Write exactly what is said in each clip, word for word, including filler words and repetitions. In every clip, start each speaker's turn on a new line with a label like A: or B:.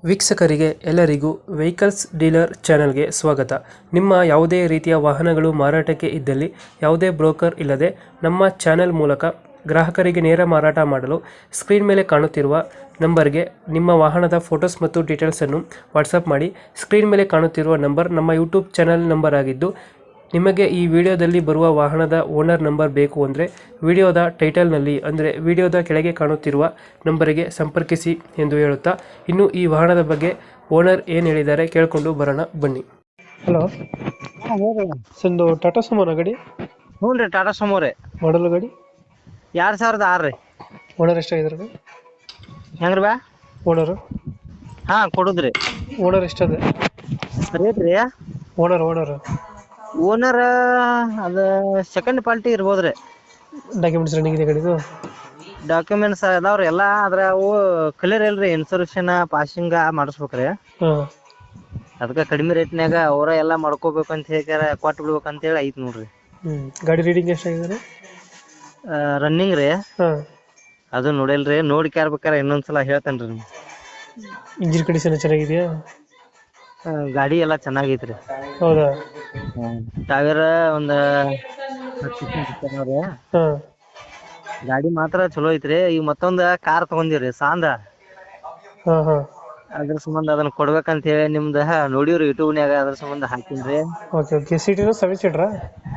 A: ವೀಕ್ಷಕರಿಗೆ ಎಲ್ಲರಿಗೂ vehicles dealer ಚಾನೆಲ್ಗೆ ಸ್ವಾಗತ. ನಿಮ್ಮ ಯಾವುದೇ ರೀತಿಯ ವಾಹನಗಳು ಮಾರಾಟಕ್ಕೆ ಇದ್ದಲ್ಲಿ ಯಾವುದೇ ಬ್ರೋಕರ್ ಇಲ್ಲದೆ ನಮ್ಮ ಚಾನೆಲ್ ಮೂಲಕ ಗ್ರಾಹಕರಿಗೆ ನೇರ ಮಾರಾಟ ಮಾಡಲು ಸ್ಕ್ರೀನ್ ಮೇಲೆ ಕಾಣುತ್ತಿರುವ ನಂಬರ್ಗೆ ನಿಮ್ಮ ವಾಹನದ ಫೋಟೋಸ್ ಮತ್ತು ಡೀಟೇಲ್ಸನ್ನು ವಾಟ್ಸಪ್ ಮಾಡಿ. ಸ್ಕ್ರೀನ್ ಮೇಲೆ ಕಾಣುತ್ತಿರುವ ನಂಬರ್ ನಮ್ಮ ಯೂಟ್ಯೂಬ್ ಚಾನೆಲ್ ನಂಬರ್ ಆಗಿದ್ದು, ನಿಮಗೆ ಈ ವಿಡಿಯೋದಲ್ಲಿ ಬರುವ ವಾಹನದ ಓನರ್ ನಂಬರ್ ಬೇಕು ಅಂದರೆ ವಿಡಿಯೋದ ಟೈಟಲ್ನಲ್ಲಿ ಅಂದರೆ ವಿಡಿಯೋದ ಕೆಳಗೆ ಕಾಣುತ್ತಿರುವ ನಂಬರಿಗೆ ಸಂಪರ್ಕಿಸಿ ಎಂದು ಹೇಳುತ್ತಾ, ಇನ್ನು ಈ ವಾಹನದ ಬಗ್ಗೆ ಓನರ್ ಏನು ಹೇಳಿದ್ದಾರೆ ಕೇಳಿಕೊಂಡು ಬರೋಣ ಬನ್ನಿ. ಹಲೋ
B: ಹಾ ಹೇಳ್ರಿ.
A: ಒಂದು ಟಾಟಾ ಸುಮೋನ ಗಾಡಿ,
B: ಹ್ಞೂ ರೀ ಟಾಟಾ ಸುಮೋ ರೀ
A: ಮಾಡಲ್ ಗಾಡಿ,
B: ಎರಡ್ ಸಾವಿರದ ಆರು ರೀ.
A: ಓನರ್ ಎಷ್ಟಾಗಿದ್ದಾರೆ?
B: ಹೆಂಗ್ರಿ ಬಾ
A: ಓನರು
B: ಹಾ ಕೊಡುದ್ರಿ.
A: ಓನರ್ ಎಷ್ಟದೆ?
B: ರೇಟ್ ರೀ
A: ಓನರ್ ಓನರ್
B: ಓನರ್ ಅದ ಸೆಕೆಂಡ್ ಪಾರ್ಟಿ ಇರ್ಬೋದ್ರಿ.
A: ಡಾಕ್ಯುಮೆಂಟ್ಸ್ ರನ್ನಿಂಗ್ ಇದೆ ಗಾಡಿದು?
B: ಡಾಕ್ಯುಮೆಂಟ್ಸ್ ಅದಾವ್ರಿ ಎಲ್ಲಾ, ಆದ್ರ ಅವು ಕ್ಲಿಯರ್ ಇಲ್ರಿ. ಇನ್ಸೂರೆನ್ಸ್ ಪಾಸಿಂಗ್ ಮಾಡಿಸ್ಬೇಕ್ರಿ.
A: ಹಾಂ,
B: ಅದಕ್ಕ ಕಡಿಮೆ ರೇಟ್ನ್ಯಾಗ ಅವ್ರ ಎಲ್ಲಾ ಮಾಡ್ಕೋಬೇಕಂತ ಹೇಳಿ ಕೊಟ್ಟು ಬಿಡ್ಬೇಕಂತ ಹೇಳಿ ಐತ್ ನೋಡ್ರಿ.
A: ಹ್ಞೂ ಗಾಡಿ ರೀಡಿಂಗ್ ಎಷ್ಟಾಗಿದ್ದಾರೆ?
B: ರನ್ನಿಂಗ್ ರೀ
A: ಹಾಂ,
B: ಅದು ನೋಡಿಲ್ರಿ, ನೋಡಿ ಕ್ಯಾರ್ಬೇಕಾರ ಇನ್ನೊಂದ್ಸಲ ಹೇಳ್ತೇನ್ರಿ ನಿಮ್ಗೆ.
A: ಇಂಜಿನ್ ಕಂಡೀಷನ್ ಚೆನ್ನಾಗಿದೆಯಾ?
B: ಆ, ಗಾಡಿ ಎಲ್ಲಾ ಚೆನ್ನಾಗೈತ್ರಿ.
A: ಹೌದಾ?
B: ಟೈರ್ ಒಂದ್ ಹತ್ತು ರೀ.
A: ಹಾಂ,
B: ಗಾಡಿ ಮಾತ್ರ ಚಲೋ ಐತ್ರಿ. ಈಗ ಮತ್ತೊಂದ್ ಕಾರ್ ತಗೊಂಡಿವ್ರಿ ಸಾಂದ,
A: ಹಾಂ ಹಾಂ
B: ಅದ್ರ ಸಂಬಂಧ ಅದನ್ನ ಕೊಡ್ಬೇಕಂತ ಹೇಳಿ ನಿಮ್ದ ನೋಡಿವ್ರಿ ಯೂಟ್ಯೂಬ್ನ್ಯಾಗ, ಅದ್ರ ಸಂಬಂಧ ಹಾಕಿನ್ರಿ.
A: Okay okay. ಸೀಟಿನ ಸೆವೆನ್ ಸೀಟ್ರಾ?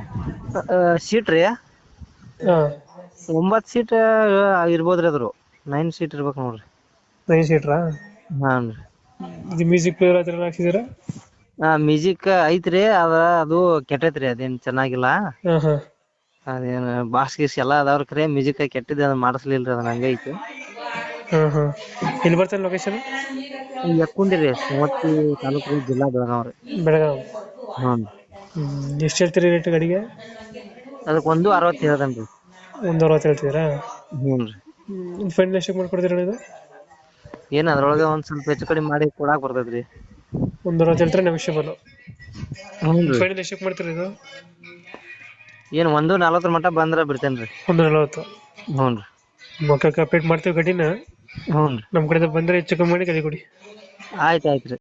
B: ಸೀಟ್ ರೀ
A: ಹಾಂ,
B: ಒಂಬತ್ ಸೀಟ್ ಇರ್ಬೋದ್ರಿ. ಅದ್ರು ನೈನ್ ಸೀಟ್ ಇರ್ಬೇಕು ನೋಡ್ರಿ.
A: ನೈನ್ ಸೀಟ್ರಾ?
B: ಹಾನ್ ರೀ.
A: ಇದು ಮ್ಯೂಸಿಕ್ ಪ್ಲೇಯರ್ ಆ ಥರ ಹಾಕ್ಸಿದ್ದೀರಾ?
B: ಮ್ಯೂಸಿಕ್ ಐತ್ರಿ, ಅದ ಅದು ಕೆಟ್ಟೈತ್ರಿ, ಅದೇನ್ ಚೆನ್ನಾಗಿಲ್ಲ.
A: ಹಾಂ ಹಾಂ
B: ಅದೇನ್ ಬಾಕ್ಸ್ ಗೀಸ್ ಎಲ್ಲಾ ಅದಾವ್ರಿ, ಖರೆ ಮ್ಯೂಸಿಕ್ ಕೆಟ್ಟಿದ್ ಅದನ್ನ ಮಾಡಿಸ್ಲಿಲ್ರಿ, ಅದನ್ನ ಹಂಗ ಐತಿ.
A: ಹಾಂ ಹಾಂ ಎಲ್ಲಿ ಬರ್ತದೆ ಲೊಕೇಶನ್?
B: ಎಕ್ಕೊಂಡಿರಿ ಮೂವತ್ತಿ ತಾಲೂಕು ರೀ, ಜಿಲ್ಲಾ ಬೆಳಗಾವ್ರಿ.
A: ಬೆಳಗಾವಿ.
B: ಹ್ಮ್
A: ಎಷ್ಟು ಹೇಳ್ತೀರಿ ರೇಟ್ ಗಾಡಿಗೆ?
B: ಅದಕ್ ಒಂದು ಅರವತ್ತು ಹೇಳ್ದನ್ರಿ.
A: ಒಂದು ಅರವತ್ತು ಹೇಳ್ತಿದ್ದೀರಾ?
B: ಹ್ಞೂನ್ರಿ.
A: ಫೈನಲ್ ಎಷ್ಟಕ್ಕೆ ಮಾಡ್ಕೊಡ್ತೀರಾ ಇದು?
B: ಏನ್ ಅದ್ರೊಳಗ ಒಂದ್ ಸ್ವಲ್ಪ ಹೆಚ್ಚು ಕಡಿಮೆ ಮಾಡಿ ಕೊಡಾಕ್ ಬರ್ತೈತ್ರಿ.
A: ಒಂದು ಅರವತ್ತು ಹೇಳ್ತಾರೆ, ನೆಗೋಷಿಯಬಲ್.
B: ಹ್ಞೂನ್ರಿ.
A: ಫೈನಲ್ ಎಷ್ಟಕ್ಕೆ ಮಾಡ್ತೀರಾ ಇದು?
B: ಏನ್ ಒಂದು ನಲವತ್ತರ ಮಟ್ಟ ಬಂದ್ರ ಬಿಡ್ತೇನ್ರಿ.
A: ಒಂದು ನಲವತ್ತು.
B: ಹ್ಞೂನ್ರಿ.
A: ಮಕ್ಕಳು ಅಪ್ಡೇಟ್ ಮಾಡ್ತೀವಿ ಗಾಡಿನ.
B: ಹ್ಞೂನ್ರಿ.
A: ನಮ್ಮ ಕಡೆಯಿಂದ ಬಂದರೆ ಹೆಚ್ಚು ಕಮ್ಮಿ ಮಾಡಿ ಗಾಡಿ ಕೊಡಿ.
B: ಆಯ್ತ್ ಆಯ್ತ್ರಿ.